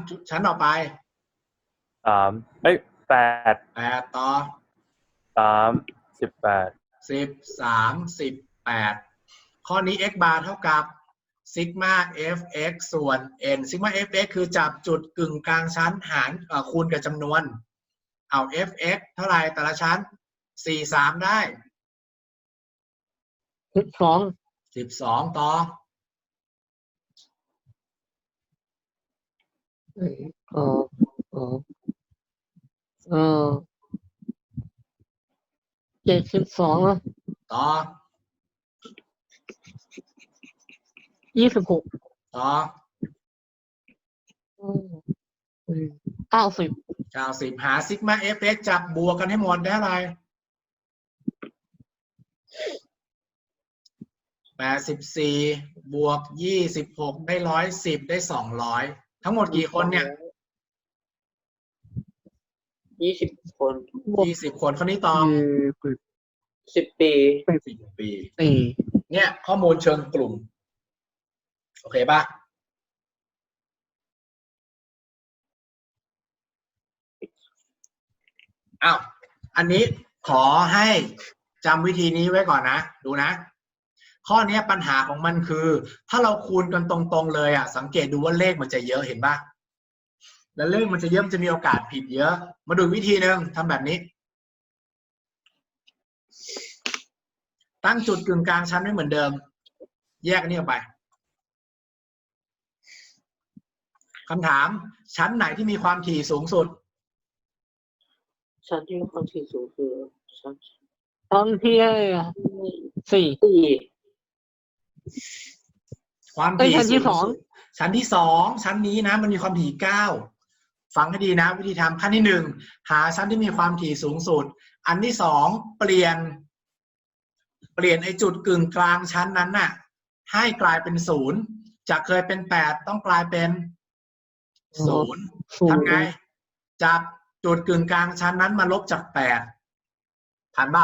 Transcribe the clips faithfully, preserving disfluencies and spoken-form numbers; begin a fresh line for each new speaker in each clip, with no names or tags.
ชั้นต่อไป
สามเอ้ยแปด
แปดต่อ
สามสิบแปด
สิบสามสิบแปดข้อนี้ x bar เท่ากับซิกมา fx ส่วน n ซิกมา fx คือจับจุดกึ่งกลางชั้นหารคูณกับจำนวนเอา fx เท่าไหร่แต่ละชั้นสี่สิบสามได้
สิบสอง
สิบสองต่อ
เออเออเออเจ็ดสิบสองนะ
ต่อ
ยี่สิบหก
ต่อ
เก้าสิบ
เก้าสิบหาซิกมา fx จับบวกกันให้หมดได้อะไรแปดสิบสี่บวกยี่สิบหกได้ร้อยสิบได้สองร้อยทั้งหมดกี่คนเนี่ย
ยี่สิบคน
ยี่สิบคนคนนี้ตอบ
สิบปี
สิบปี
ปี
เนี่ยข้อมูลเชิงกลุ่มโอเคป่ะอ้าวอันนี้ขอให้จำวิธีนี้ไว้ก่อนนะดูนะข้อนี้ปัญหาของมันคือถ้าเราคูณกันตรงๆเลยอ่ะสังเกตดูว่าเลขมันจะเยอะเห็นป่ะแล้วเลขมันจะเยอะมันจะมีโอกาสผิดเยอะมาดูวิธีหนึ่งทำแบบนี้ตั้งจุดกึ่งกลางชั้นไม่เหมือนเดิมแยกอันนี้ออกไปคำถามชั้นไหนที่มีความถี่สูงสุด
ชั้นที่มีความถี่สูงคือชั้น
ชั้นที่สี่
ความถี่ชั้นที่สองชั้นที่สองชั้นนี้นะมันมีความถี่เก้าฟังให้ดีนะวิธีทำขั้นที่หนึ่งหาชั้นที่มีความถี่สูงสุดอันที่สองเปลี่ยนเปลี่ยนไอ้จุดกึ่งกลางชั้นนั้นน่ะให้กลายเป็นศูนย์จากเคยเป็นแปดต้องกลายเป็นศูนย์ทำไงจับจุดกึ่งกลางชั้นนั้นมาลบจากแปดทันเปล่า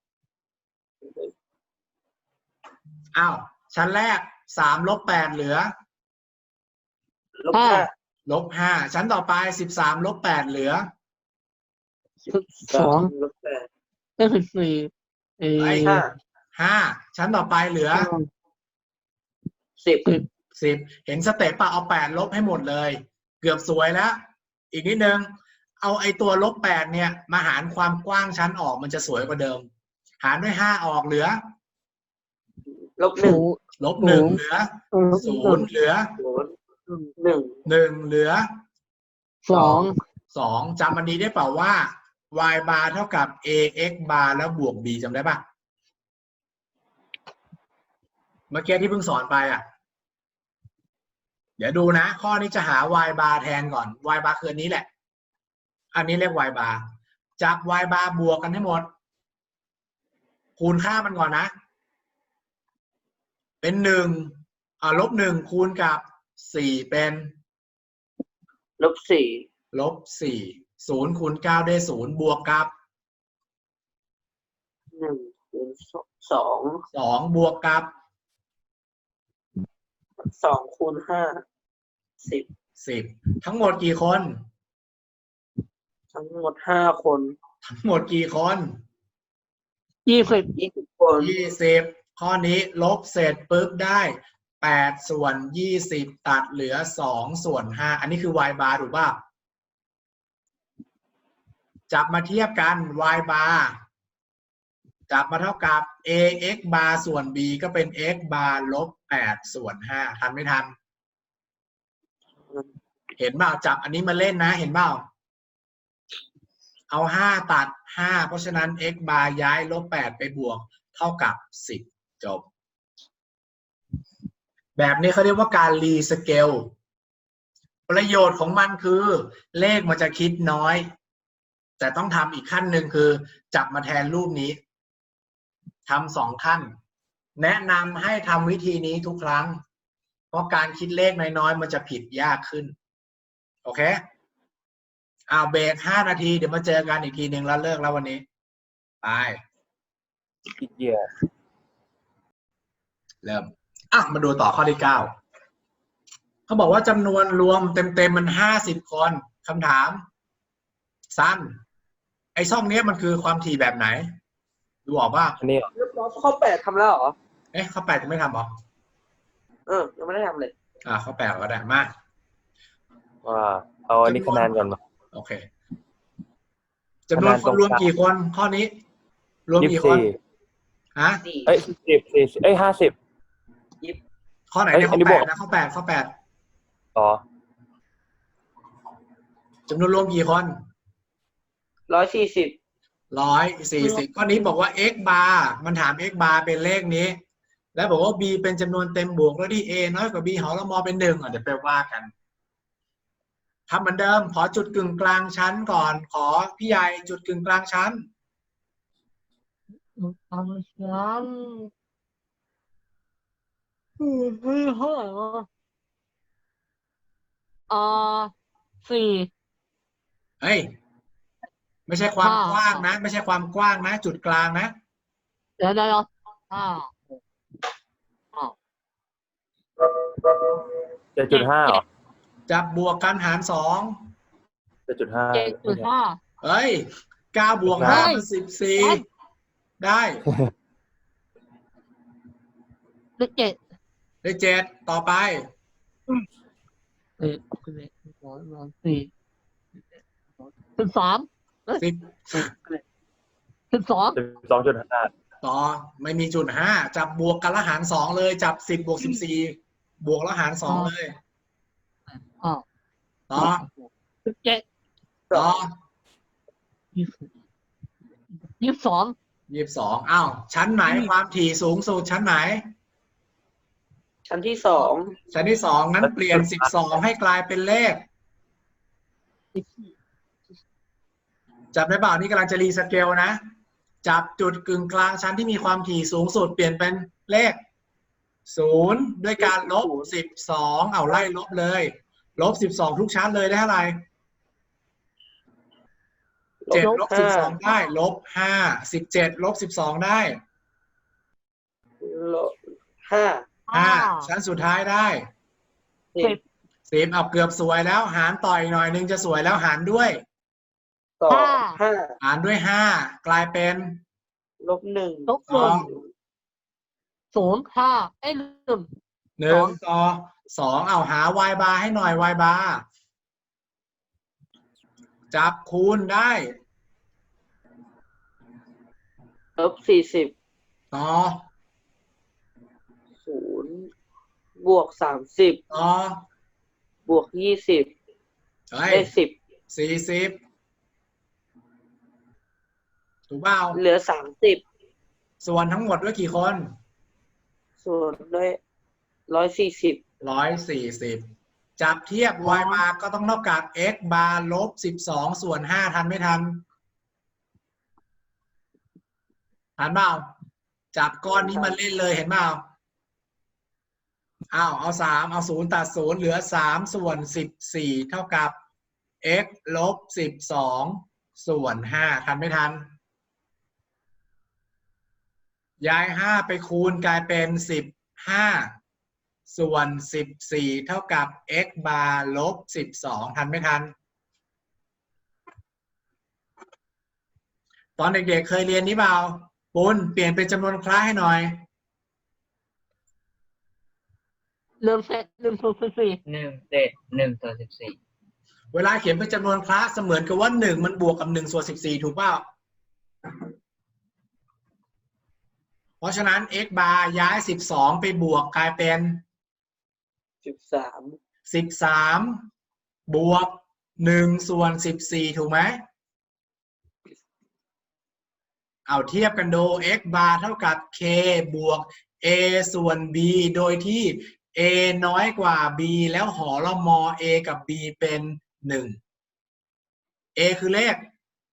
อ้าวชั้นแรกสามลบแปดเหลือ
ลบห้า
ลบห้าชั้นต่อไปสิบสามลบแปดเหลือ
สิบสอง
ลบแปด
ได้สิบสี่
ไอ้ห้าห้าชั้นต่อไปเหลือ
สิบ
สิบเห็นสเต็ปป่ะเอาแปดลบให้หมดเลยเกือบสวยแล้วอีกนิดนึงเอาไอ้ตัวลบแปดเนี่ยมาหารความกว้างชั้นออกมันจะสวยกว่าเดิมหารด้วยห้าออกเหลือ
ลบหนึ่ง
ลบหนึ่งเหลือศูนย์เหลือ
หนึ่ง
หนึ่งเหลือ
สอง
สองจำอันนี้ได้เปล่าว่า y bar เท่ากับ ax bar แล้วบวก b จำได้ป่ะเมื่อกี้ที่เพิ่งสอนไปอ่ะเดี๋ยวดูนะข้อนี้จะหา y bar แทนก่อน y bar คืออันนี้แหละอันนี้เรียก y bar จับ y bar บวกกันให้หมดคูณค่ามันก่อนนะเป็นหนึ่งอ่าลบหนึ่งคูณกับสี่เป็น
ลบสี่
ลบสี่ศูนย์คูณเก้าได้ศูนย์บวกกับ
หนึ่งคูณสอง
สองบวกกับ
สองคูณห้าสิบ
สิบทั้งหมดกี่คน
ทั้งหมดห้าคน
ทั้งหมดกี่คน
ยี่สิบ
ยี่สิบคน
ยี่สิบข้อนี้ลบเสร็จปุ๊บได้แปดส่วนยี่สิบตัดเหลือสองส่วนห้าอันนี้คือ y bar ถูกป่ะจับมาเทียบกัน y bar จับมาเท่ากับ ax bar ส่วน b ก็เป็น x bar ลบแปดส่วนห้าทันไม่ทันเห็นเปล่าจับอันนี้มาเล่นนะเห็นเปล่าเอาห้าตัดห้าเพราะฉะนั้น x bar ย้ายลบแปดไปบวกเท่ากับสิบจบแบบนี้เขาเรียกว่าการรีสเกลประโยชน์ของมันคือเลขมันจะคิดน้อยแต่ต้องทำอีกขั้นหนึ่งคือจับมาแทนรูปนี้ทำสองขั้นแนะนำให้ทำวิธีนี้ทุกครั้งเพราะการคิดเลขน้อยๆมันจะผิดยากขึ้นโอเคเอาเบรกห้านาทีเดี๋ยวมาเจอกันอีกทีหนึ่งแล้วเลิกแล้ววันนี้ไป
อีกเยอะ
เริ่มอ่ะมาดูต่อข้อที่เก้าเขาบอกว่าจำนวนรวมเต็มๆมันห้าสิบคนคำถามสั้นไอ้ช่องเนี้ยมันคือความถี่แบบไหนดูออกป่ะ
อันนี้เหรอ
เรียบร้อยข้อแปดทำแล้วเหรอ
เอ๊ะข้อแปดจะไม่ทำหรอ
เออ ยังไม่ได้ทำเลย
อ่าข้อแปดก็ได้มา
ว่าเอาอันนี้คะแนนก่อนมา
โอเคจำนวนคนรวมกี่คนข้อนี้ รวม
ยี่
กี่
สิบ
คน
สี่
ฮะ
สี่
เอ้ยสิบสี่เอ้ยห้าสิบ
ข้อไหน
เอ้ย
เนี่ย
อั
ข้อน
นี้
แป
บว
ด
ก
นะข้อแปดข้อแปด
ต่อ
จำนวนรวมกี่คน
ร้อยสี่สิบ
ร้อยสี่สิบข้อนี้บอกว่า x bar มันถาม x bar เป็นเลขนี้ แล้วบอกว่า b เป็นจำนวนเต็มบวกแล้วที่ a น้อยกว่า b หารละมอเป็นหนึ่งอ่ะเดี๋ยวไปว่ากันทำเหมือนเดิมขอจุดกึ่งกลางชั้นก่อน ขอพี่ใหญ่จุดกึ่งกลางชั้น
เอาฉันอืมเฮ้ยเท่าไหร่วะอ่าสี่
เฮ้ย ไม่ใช่ความ
ห้าก
ว้างนะ ไม่ใช่ความกว้างนะ จุดกลางนะ
เดี๋ยวเดี๋ยวเดี๋ยวห้าหกห้า
เจ็ดจุดห้าเหรอ
จับบวกกันหารสอง
เจ็ดจุดห้า
เจ็ดจุดห้า
เฮ้ยเก้าบวก
ได้
ห้าเป็นสิบสี่ได้
เลขเจ็ด
ได้เจ็ดต่อไป
เอ็ดเอ็ดสองสามสี่สิบสาม
สิบ
สิบสอง
สิบสองจุดห้า
ต่อไม่มีจุดห้าจับบวกกันแล้วหารสองเลย จับสิบบวกสิบสี่บวกแล้วหารสองเลย
อ้าว
ต่อ
สิบเจ็ด
ต่อ
ยี่สิบยี่สิบสอง
ยี่สิบสองอ้าวชั้นไหนความถี่สูงสุดชั้นไหน
ชั้นที่สอง
ชั้นที่สองงั้นเปลี่ยนสิบสองให้กลายเป็นเลข จับได้เปล่านี่กำลังจะรีสเกลนะ จับจุดกึ่งกลางชั้นที่มีความถี่สูงสุดเปลี่ยนเป็นเลขศูนย์ด้วยการลบสิบสองเอาไล่ลบเลย ลบสิบสองทุกชั้นเลยได้เท่าไหร่เจ็ดลบสิบสองได้ ลบห้าสิบเจ็ดลบสิบสองได้
ลบห้า
ห้าชั้นสุดท้ายได้
สิบ
สิบเอาเกือบสวยแล้ว หารต่ออีกหน่อยนึงจะสวยแล้วหารด้วย
ต่อห้า
หารด้วยห้ากลายเป็น
ลบหนึ่ง
ลบหนึ่งศูนย์ห้าไอ้ยลืม
หนึ่งต่อสองเอาหา y bar ให้หน่อย y bar จับคูณได้
ลบสี่สิบ
ต่อ
ศูนย์บวกสามสิบ
ต่อบ
วกยี่สิบ
เฮ้ย
ได้สิบ
สี่สิบถูกเปล่า
เหลือสามสิบ
ส่วนทั้งหมดด้วยกี่คน
ส่วนด้วยร้อยสี่สิบ
ร้อยสี่สิบจับเทียบ y bar ก็ต้องเท่ากับ x bar ลบสิบสองส่วนห้าทันไม่ทันทันเปล่าจับก้อนนี้มาเล่นเลยเห็นเปล่าอ้าวเอาสามเอาศูนย์ตัดศูนย์เหลือสามส่วนสิบสี่เท่ากับ x ลบสิบสองส่วนห้าทันไม่ทันย้ายห้าไปคูณกลายเป็นสิบห้าส่วนสิบสี่เท่ากับ x bar ลบสิบสองทันไม่ทันตอนเด็กๆเคยเรียนนี้เปล่าปุณเปลี่ยนเป็นจำนวนคล้ายให้หน่อย
ลืมเสร็จลืมส่วนสิบสี่
หนึ่งเศษหนึ่งส่วนสิบสี่
เวลาเขียนเป็นจำนวนคล้ายเสมือนกับว่าหนึ่งมันบวกกับหนึ่งส่วนสิบสี่ถูกเปล่าเพราะฉะนั้น x bar ย้ายสิบสองไปบวกกลายเป็น
สิบสาม
สิบสามบวกหนึ่งส่วนสิบสี่ถูกไหมเอาเทียบกันดู x bar เท่ากับ k บวก a ส่วน b โดยที่ a น้อยกว่า b แล้วหอละมอ a กับ b เป็นหนึ่ง a คือเลข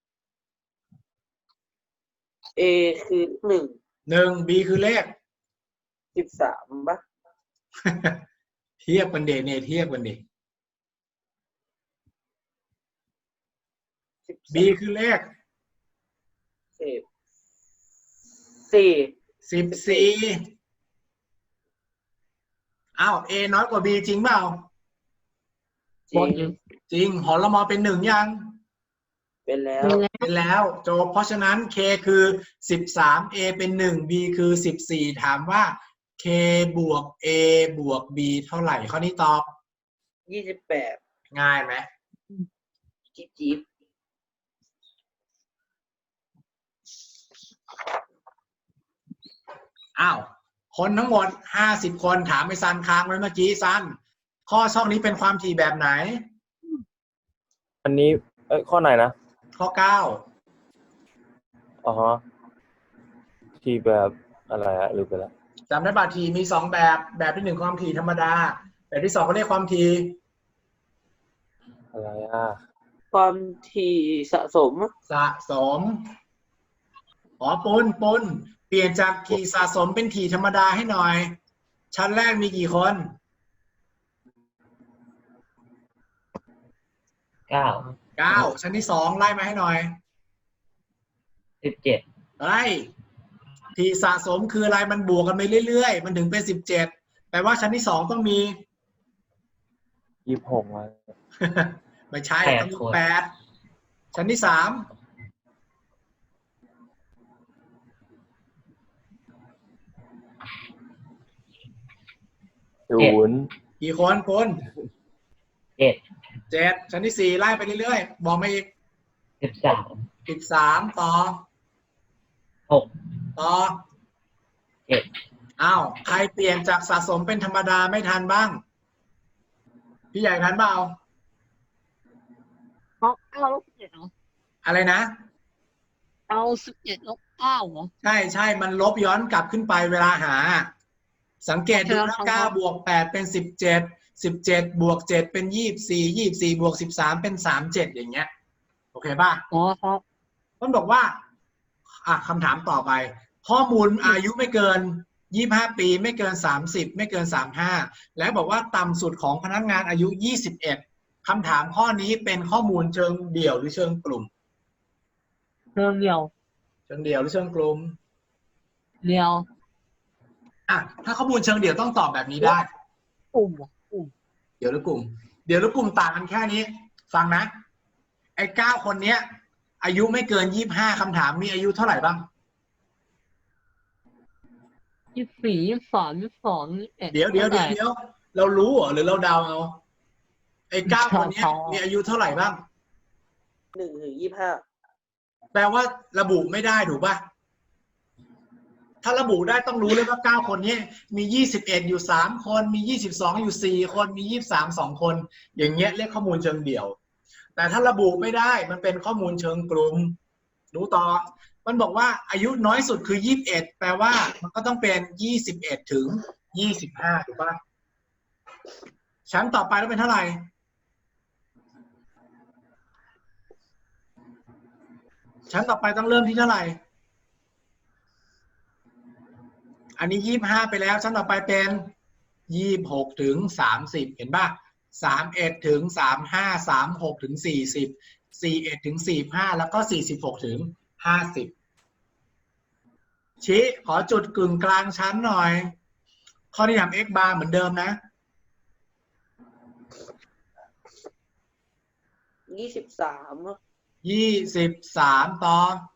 เอคือหนึ่ง
หนึ่ง b คือเลข
สิบสามปะ
เทียบกันเดเนเทียบกันดิ
สิบ
b คือเลข
สิบสี่
สิบสี่อ้าว a น้อยกว่า b จริงเปล่า
จ
บ
ริ
อก
ง
จริง
จริงหอละมอเป็นหนึ่งยัง
เป็นแล้ว
เป็นแล้ว
เป็นแล้วโจบเพราะฉะนั้น k คือสิบสาม a เป็นหนึ่ง b คือสิบสี่ถามว่า k บวก a บวก b เท่าไหร่ข้อนี้ตอบ
ยี่สิบแปด
ง่ายไหม
จิ๊บจิ๊บ
อ้าวคนทั้งหมดห้าสิบคนถามไปซันค้างไว้เมื่อกี้ซันข้อช่องนี้เป็นความถี่แบบไหน
อันนี้เอ้ยข้อไหนนะ
ข้อเก้า
อ๋อฮะที่แบบอะไรอะลืมไปแล้ว
จำได้ป่ะถี่มีสองแบบแบบที่หนึ่งความถี่ธรรมดาแบบที่สองเขาเรียกความถี่
อะไรอ่ะ
ความถี่สะสม
สะสมอ๋อปุนปุนเปลี่ยนจากถี่สะสมเป็นถี่ธรรมดาให้หน่อย ชั้นแรกมีกี่คน
เก้า
เก้าชั้นที่สองไล่มาให้หน่อย
สิบเจ็ด
ไล่ถี่สะสมคืออะไรมันบวกกันไปเรื่อยๆมันถึงเป็นสิบเจ็ดแปลว่าชั้นที่สองต้องมี
ยี่สิบหกมา
ไม่ใช่ต้องมีแปดชั้นที่สาม
ศูนย์
กี่คนคน
เจ็ด
เจ็ดชั้นที่สี่ไล่ไปเรื่อยๆบอกมาอีก
สิบสาม
สิบสามต่อ
หก
ต่อ
เจ็ด
อ้าวใครเปลี่ยนจากสะสมเป็นธรรมดาไม่ทันบ้าง พี่ใหญ่ทันเปล่า
เอาเอาลบสิบเจ็ดเหรอ
อะไรนะ
เอาสิบเจ็ดลบเก้าเหรอ
ใช่ใช่มันลบย้อนกลับขึ้นไปเวลาหา สังเกตดูนะเก้าบวกแปดเป็นสิบเจ็ดสิบเจ็ดบวกเจ็ดเป็นยี่สิบสี่ยี่สิบสี่บวกสิบสามเป็นสามเจ็ดอย่างเงี้ยโอเคป่ะ
อ๋อครับ
ต้นบอกว่าอ่ะคำถามต่อไป ข้อมูลอายุไม่เกินยี่สิบห้าปีไม่เกินสามสิบไม่เกินสามสิบห้าและบอกว่าต่ำสุดของพนักงานอายุยี่สิบเอ็ดคำถามข้อนี้เป็นข้อมูลเชิงเดี่ยวหรือเชิงกลุ่ม
เรื่องเดียว
เชิงเดี่ยวหรือเชิงกลุ่ม
เดียว
อ่ะถ้าข้อมูลเชิงเดี่ยวต้องตอบแบบนี้ได้
กลุ่มเหรอกลุ่ม
เดี๋ยวหรือกลุ่ม เดี๋ยวหรือกลุ่มต่างกันแค่นี้ ฟังนะ ไอ้เก้าคนเนี้ย อายุไม่เกินยี่สิบห้าคำถามมีอายุเท่าไหร่บ้าง
ยี่สิบสี่ยี่สิบสามยี่สิบสองยี่สิบเอ็ด
เดี๋ยวเดี๋ยวเดี๋ยวเดี๋ยวเรารู้เหรอหรือเราเดาเอาไอ้เก้าคนเนี้ยมีอายุเท่าไหร่บ้าง
หนึ่งถึงยี่สิบห้า
แปลว่าระบุไม่ได้ถูกป่ะ ถ้าระบุได้ต้องรู้เลยว่าเก้าคนนี้มียี่สิบเอ็ดอยู่สามคนมียี่สิบสองอยู่สี่คนมียี่สิบสามสองคน อย่างเงี้ยเรียกข้อมูลเชิงเดี่ยว แต่ถ้าระบุไม่ได้มันเป็นข้อมูลเชิงกลุ่มดูต่อ มันบอกว่าอายุน้อยสุดคือยี่สิบเอ็ดแปลว่ามันก็ต้องเป็นยี่สิบเอ็ดถึงยี่สิบห้าถูกป่ะชั้นต่อไปแล้วเป็นเท่าไหร่ชั้นต่อไปต้องเริ่มที่เท่าไหร่อันนี้ยี่สิบห้าไปแล้วชั้นต่อไปเป็นยี่สิบหกถึงสามสิบเห็นป่ะสามเอ็ดถึงสามห้าสามหกถึงสี่สิบสี่เอ็ดถึงสี่ห้าแล้วก็สี่สิบหกถึงห้าสิบชี้ขอจุดกึ่งกลางชั้นหน่อยข้อที่ทำ x bar เหมือนเดิมนะ
ยี่สิบสาม
ยี่สิบสามต่อ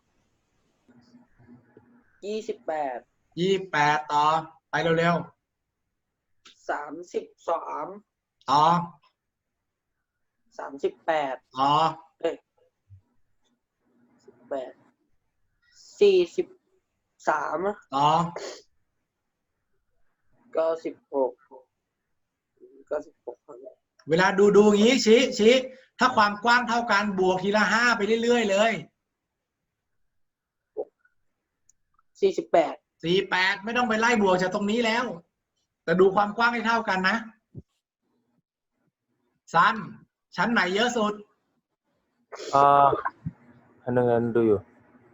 ยี่สิบแปด
ยี่สิบแปดต่อไปเร็ว
สามสิบสาม
ๆต่อ
สามสิบแปด
ต่อ
เอ้ยสิบแปดสี่สิบสาม
ต่อ
เก้าสิบหกเก้าสิบหก
เวลาดูดูอย่างนี้ชี้ชี้ถ้าความกว้างเท่ากันบวกทีละห้าไปเรื่อยๆเลย
สี่สิบแปด
สี่แปดไม่ต้องไปไล่บวกจากตรงนี้แล้ว แต่ดูความกว้างให้เท่ากันนะซันชั้นไหนเยอะสุด
อ่าอันนึงอันดูอยู่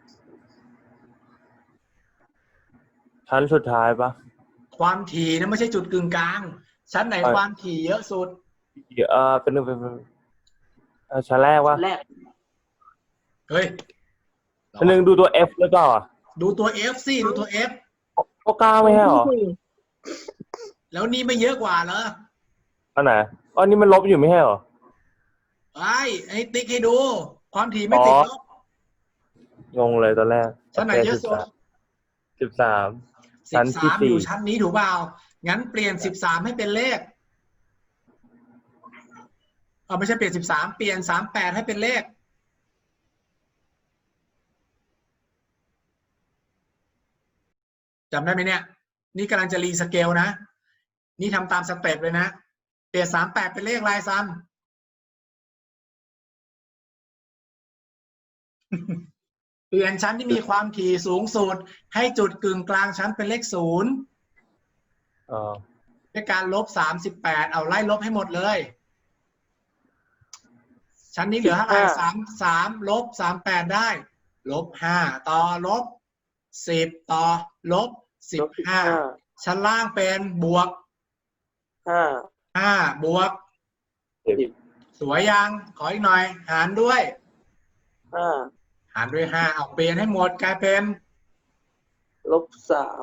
ชั้นสุดท้ายปะ
ความถี่นะไม่ใช่จุดกึ่งกลาง ชั้นไหนความถี่เยอะสุด
เออเป็นหนึ่งเป็นเอ่อชั้นแรกวะ
แรก
เฮ้ย
ชั้นหนึ่งดูตัว F หรือเปล่าอ่ะ
ดูตัว F สิดูตัว F
ก็เก้าไม่ใช่หรอ
แล้วนี่ไม่เยอะกว่าเหรอ
อันไหนอ๋อนี่มันลบอยู่ไม่ใช่หรอ
ไอ้ไอ้ติ๊กให้ดู ความถี่ไม่ติดลบ
งงเลยตอนแรก
ชั้นไหนเยอะสุด
สิบสาม
สิ
ชั้น
บ
ที่
สาม
สี่
อยู่ชั้นนี้ถูกเปล่า งั้นเปลี่ยนสิบสามให้เป็นเลขเออไม่ใช่เปลี่ยนสิบสามเปลี่ยนสามแปดให้เป็นเลขจำได้ไหมเนี่ย นี่กำลังจะรีสเกลนะ นี่ทำตามสเต็ปเลยนะ เปลี่ยนสามแปดเป็นเลขอะไรซ้ำ เปลี่ยนชั้นที่มีความถี่สูงสุดให้จุดกึ่งกลางชั้นเป็นเลขศูนย์
อ๋อ
ด้วยการลบสามสิบแปดเอาไล่ลบให้หมดเลย ชั้นนี้เหลือเท่าไหร่สามสามลบสามแปดได้ลบห้าต่อลบสิบต่อลบสิบห้าชั้นล่างเป็นบวก
ห้า
ห้าบวก
สิบ
สวยยังขออีกหน่อย หารด้วย
ห้า
หารด้วยห้าเอาเปลี่ยนให้หมดกลายเป็น
ลบสาม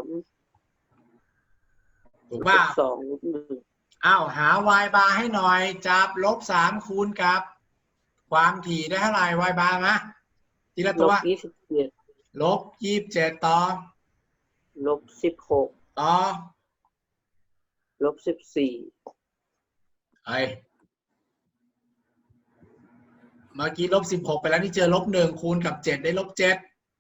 ถูกป่ะ
ลบสองลบหนึ่ง
อ้าวหา y bar ให้หน่อยจับลบสามคูณกับ ความถี่ได้เท่าไหร่ y bar นะทีละ
ล
ตัว
บยี่สิบเจ็ด
ลบยี่สิบเจ็ดต่อ
ลบสิบหก
ต่อ
ลบสิบสี่
เฮ้ยเมื่อกี้ลบสิบหกไปแล้วนี่เจอลบหนึ่งคูณกับเจ็ดได้ลบเจ็ด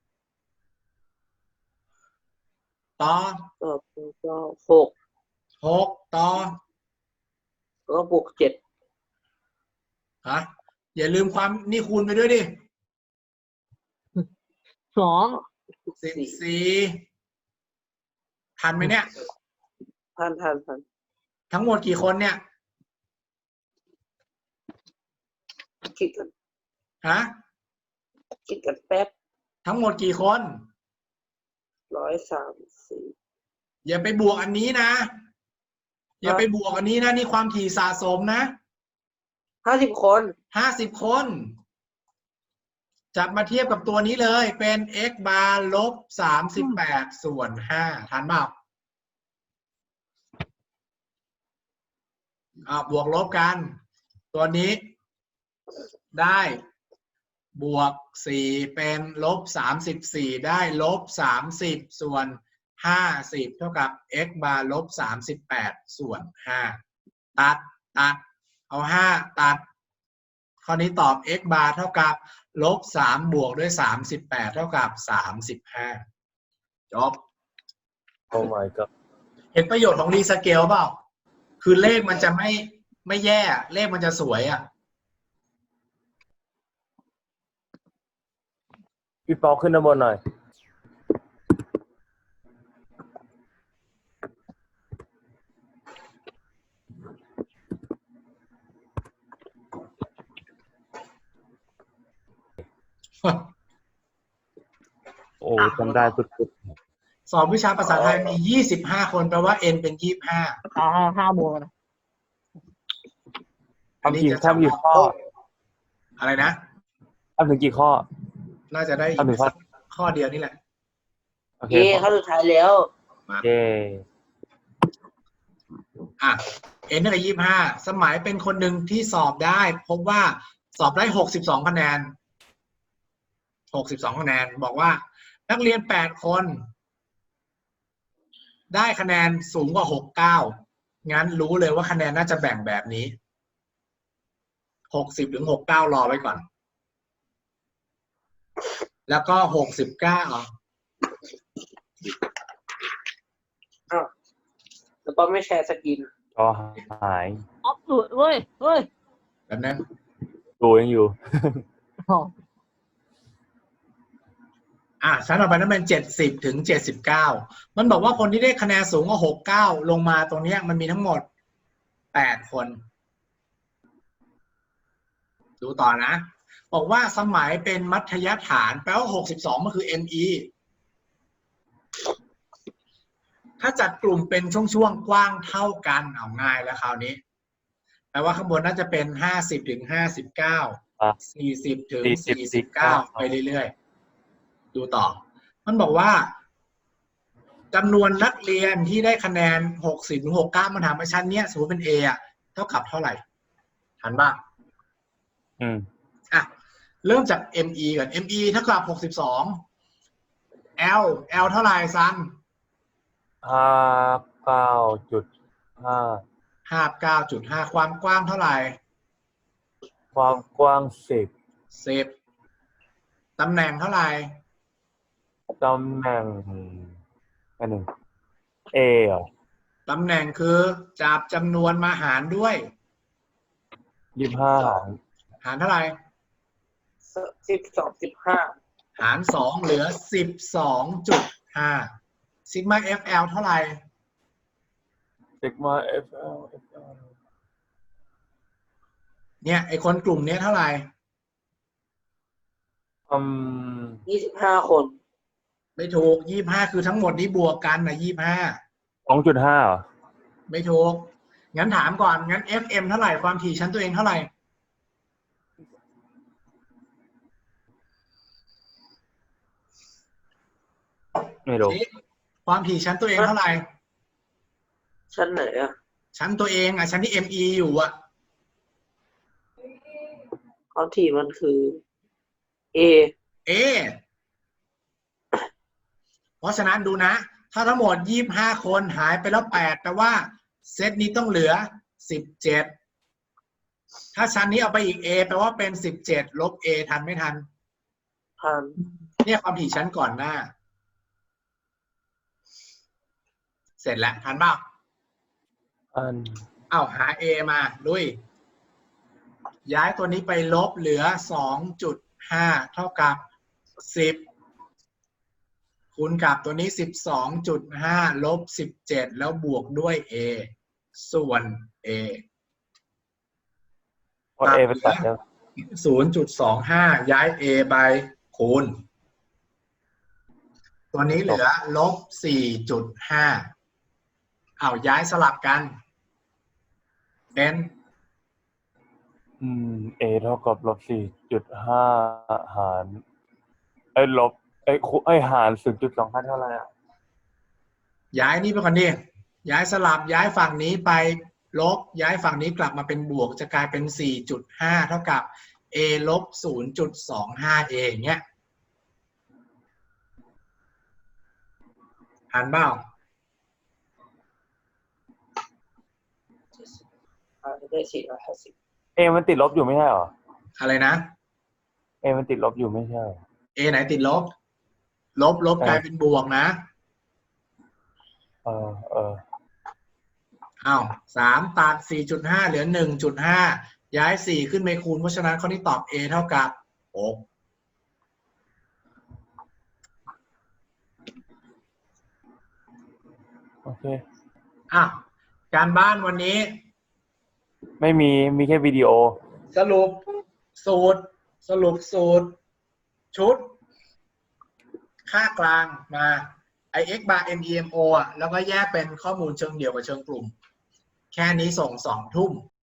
ต่อ
ต่อไปก็หก
หกต่อ
แล้วก็บวกเจ็ด
ฮะอย่าลืมความนี่คูณไปด้วยดิ
สอง
สิบสี่ทันไหมเนี่ย
พันพันพัน
ทั้งหมดกี่คนเนี่ย
คิดกัน
ฮะ
คิดกันแป๊บ
ทั้งหมดกี่คน
ร้อยสามสี่
อย่าไปบวกอันนี้นะ อย่าไปบวกอันนี้นะนี่ความถี่สะสมนะ
ห้าสิบคน
ห้าสิบคน จับมาเทียบกับตัวนี้เลยเป็น x bar ลบสามสิบแปดส่วนห้าทันเปล่าอ่าบวกลบกัน ตัวนี้ได้บวกสี่เป็นลบสามสิบสี่ได้ลบสามสิบส่วนห้าสิบเท่ากับ x bar ลบสามสิบแปดส่วนห้าตัดตัดเอาห้าตัดข้อนี้ตอบ x bar เท่ากับลบสามบวกด้วยสามสิบแปดเท่ากับสามสิบห้าจบ
โอ้ my god
เห็นประโยชน์ของรีสเกลเปล่า คือเลขมันจะไม่ไม่แย่เลขมันจะสวยอ่ะ
พี่ปอขึ้นด้านบนหน่อย โอ้จำได้สุด
สอบวิชาภาษาไทยมียี่สิบห้าคนแปลว่า n เป็นยี่สิบห้า
เอาห้าห้าบวกกันนะ
ๆทำกี่ทำกี่ข้อ
อะไรนะ
ทำถึงกี่ข้อ
น่าจะได้อี
ทำถึ
ก
งข้อ
ข้อเดียวนี่แหละ
โอเค
เย้เข้าสุดท้ายแล้ว
เย้
อ่ะ n เท่ากับยี่สิบห้าสมัยเป็นคนหนึ่งที่สอบได้ พบว่าสอบได้หกสิบสองคะแนนหกสิบสองคะแนนบอกว่า นักเรียนแปดคน ได้คะแนนสูงกว่าหกเก้างั้นรู้เลยว่าคะแนนน่าจะแบ่งแบบนี้หกสิบถึงหกเก้ารอไว้ก่อน แล้วก็หกสิบเก้า
อ้าวแล้วก็ไม่แชร์สกิน
ก็หาย
ออฟสุดเว้ยเว้ย
แบบนั้น
ดูยังอยู่
อ๋อ
อ่ะชั้นต่อไปนั้นเป็นเจ็ดสิบถึงเจ็ดสิบเก้ามันบอกว่าคนที่ได้คะแนนสูงกว่าหกเก้าลงมาตรงเนี้ยมันมีทั้งหมดแปดคน ดูต่อนะ บอกว่าสมัยเป็นมัธยฐานแปลว่าหกสิบสองมันคือ เอ็ม อี ถ้าจัดกลุ่มเป็นช่วงๆกว้างเท่ากันเอาง่ายแล้วคราวนี้แปลว่าข้างบนน่าจะเป็นห้าสิบถึงห้าสิบเก้า
อ่ะ
สี่สิบถึง
สี่
สี่
สิ
สิ
บบ
เก้า
สี่สิบเก้า
ไปเรื่อยๆดูต่อ มันบอกว่าจำนวนนักเรียนที่ได้คะแนนหกสิบถึงหกเก้ามันถามว่าชั้นเนี้ยสมมติเป็น A อ่ะเท่ากับเท่าไหร่ทันบ้าง
อืม
อ่ะ เริ่มจาก me ก่อน me เท่ากับหกสิบสอง l l เท่าไหร่ซัน
ห้าเก้าจุดห้า
ห้าสิบเก้าจุดห้า ความกว้างเท่าไหร่
ความกว้างสิบ
สิบ ตำแหน่งเท่าไหร่
ตำแหน่งอันหนึ่ง A เหรอ
ตำแหน่งคือจับจำนวนมาหารด้วย
ยี่สิบห้า
หารเท่าไหร่
สิบสองสิบห้า
หารสองเหลือ สิบสองจุดห้า ซิกมา fl เท่าไหร่
ซิกมา F L F L
เนี่ยไอคนกลุ่มเนี้ยเท่าไหร่
อืม
ยี่สิบห้าคน
ไม่ถูก ยี่สิบห้า คือทั้งหมดนี้บวกกันนะยี่สิบห้า
สองจุดห้าเหรอ
ไม่ถูก งั้นถามก่อน งั้น fm เท่าไหร่ ความถี่ชั้นตัวเองเท่าไหร่
ไม่รู้
ความถี่ชั้นตัวเองเท่าไหร่
ชั้นไหนอ่ะ
ชั้นตัวเองอ่ะ ชั้นที่ me อยู่อ่ะ
ความถี่มันคือ A
เอ เพราะฉะนั้นดูนะ ถ้าทั้งหมดยี่สิบห้าคนหายไปแล้วแปดแปลว่าเซตนี้ต้องเหลือสิบเจ็ด ถ้าชั้นนี้เอาไปอีก A แปลว่าเป็นสิบเจ็ดลบ A ทันไม่ทัน
พัน
เนี่ยความถี่ชั้นก่อนหน้า เสร็จแล้วทันเปล่า
อัน
เอ้าหา A มาลุย ย้ายตัวนี้ไปลบเหลือ สองจุดห้า เท่ากับ สิบ คูณกับตัวนี้ สิบสองจุดห้า ลบ สิบเจ็ด แล้วบวกด้วย A ส่วน A
พอ A ไปตัดแล้ว
ศูนย์จุดสองห้า ย้าย A ไปคูณ ตัวนี้เหลือ ลบ สี่จุดห้า เอาย้ายสลับกัน เป็น
อืม A เท่ากับลบสี่จุดห้าหารไอ้ยลบไอ้ยคูไอ้ยหารศูนย์จุดสองห้าเท่าไหร่อ่ะ
ย้ายนี่ไปก่อนดิ ย้ายสลับ ย้ายฝั่งนี้ไปลบ ย้ายฝั่งนี้กลับมาเป็นบวก จะกลายเป็น สี่จุดห้า เท่ากับ A ลบ ศูนย์จุดสองห้า A อย่างเงี้ยหันเปล่า
ได้สี่ร้อยห้าสิบ
A มันติดลบอยู่ไม่ใช่เหรอ
อะไรนะ
A มันติดลบอยู่ไม่ใช่เหรอ
A ไหนติดลบ ลบลบ
เออ
กลายเป็นบวกนะ
เออเออ
อ้าวสามตัด สี่จุดห้า เหลือ หนึ่งจุดห้า ย้าย สี่ ขึ้นไปคูณ เพราะฉะนั้นข้อนี้ตอบ A เท่ากับ หก
โอเค
อ่ะ การบ้านวันนี้
ไม่มีมีแค่วิดีโอ
สรุปสูตร สรุปสูตร ชุด ค่ากลางมา i x bar m e m o อ่ะ แล้วก็แยกเป็นข้อมูลเชิงเดี่ยวกับเชิงกลุ่ม แค่นี้ส่งสองทุ่ม